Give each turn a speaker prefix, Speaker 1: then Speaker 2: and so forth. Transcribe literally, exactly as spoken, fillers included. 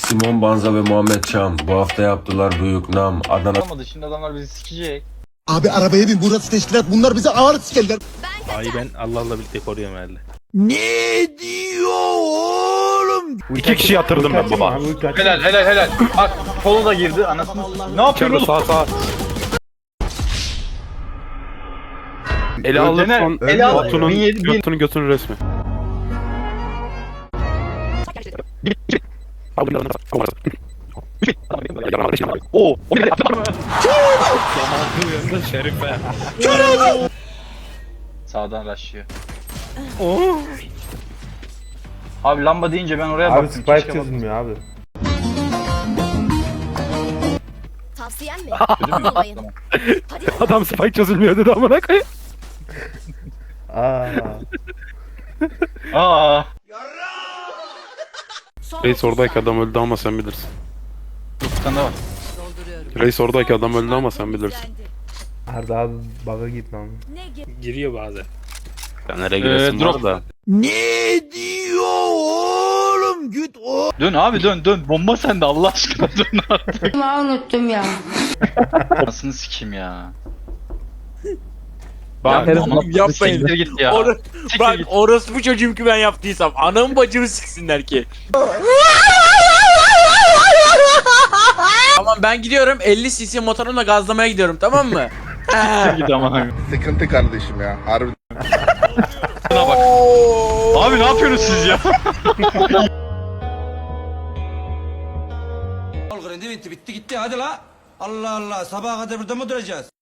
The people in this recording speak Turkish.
Speaker 1: Simon Banza ve Muhammed Çam bu hafta yaptılar büyük nam. Adana
Speaker 2: Olmadı, şimdi adamlar bizi sikecek.
Speaker 3: Abi arabaya bin, burası teşkilat, bunlar bize ağır sikerler.
Speaker 4: Ay ben Allah'la birlikte koruyorum herhalde.
Speaker 3: Ne diyor oğlum?
Speaker 4: İki kişi yatırdım ben baba.
Speaker 2: Helal helal helal. Bak kolu da girdi anasını. Ne yapıyorsun?
Speaker 4: Sağ sağ. Ele
Speaker 2: Öldene-
Speaker 4: alırsan
Speaker 2: ele al-
Speaker 4: Batu'nun
Speaker 2: bin yedi- bin-
Speaker 4: götünü götünü resmi. Oo, o ne yaptı? Şerife.
Speaker 2: Sağdan rushlıyor. Abi lamba deyince ben oraya
Speaker 5: Abi
Speaker 2: baktım.
Speaker 5: spike
Speaker 2: keşke
Speaker 5: çözülmüyor abi.
Speaker 6: Tavsiyen mi?
Speaker 2: bakmasaydım.
Speaker 6: Olmayın.
Speaker 2: Tamam.
Speaker 6: Hadi
Speaker 4: Adam spike çözülmüyor dedi amına koyayım.
Speaker 5: Aa.
Speaker 2: Aa.
Speaker 6: son
Speaker 4: Reis oradaki adam öldü ama sen bilirsin.
Speaker 2: Bir tane daha var.
Speaker 4: Reis oradaki adam öldü ama sen bilirsin.
Speaker 5: Arda abi bug'a gitme ama.
Speaker 6: ne ge-
Speaker 4: Giriyor bazen. Ya nereye
Speaker 2: Ee,
Speaker 4: giresin
Speaker 2: drop.
Speaker 4: var da.
Speaker 3: Ne diyor oğlum? Git o.
Speaker 2: Dön abi dön dön. Bomba sende Allah aşkına dön artık.
Speaker 7: unuttum ya.
Speaker 2: Anasını sikeyim ya.
Speaker 8: Bak
Speaker 2: Ya,
Speaker 8: oğlum yapmayın.
Speaker 2: Siktir git ya.
Speaker 8: Or
Speaker 2: Siktir
Speaker 8: Bak
Speaker 2: git.
Speaker 8: orospu çocuğum ki ben yaptıysam anamı bacımı siksinler ki. Tamam ben gidiyorum elli cc motorumla gazlamaya gidiyorum tamam mı?
Speaker 2: Siktir git ama.
Speaker 9: Sıkıntı kardeşim ya. Harbi.
Speaker 2: Buna bak. Abi ne yapıyorsunuz siz ya?
Speaker 10: Al grindi bitti bitti gitti hadi la. Allah Allah sabaha kadar burada mı duracağız?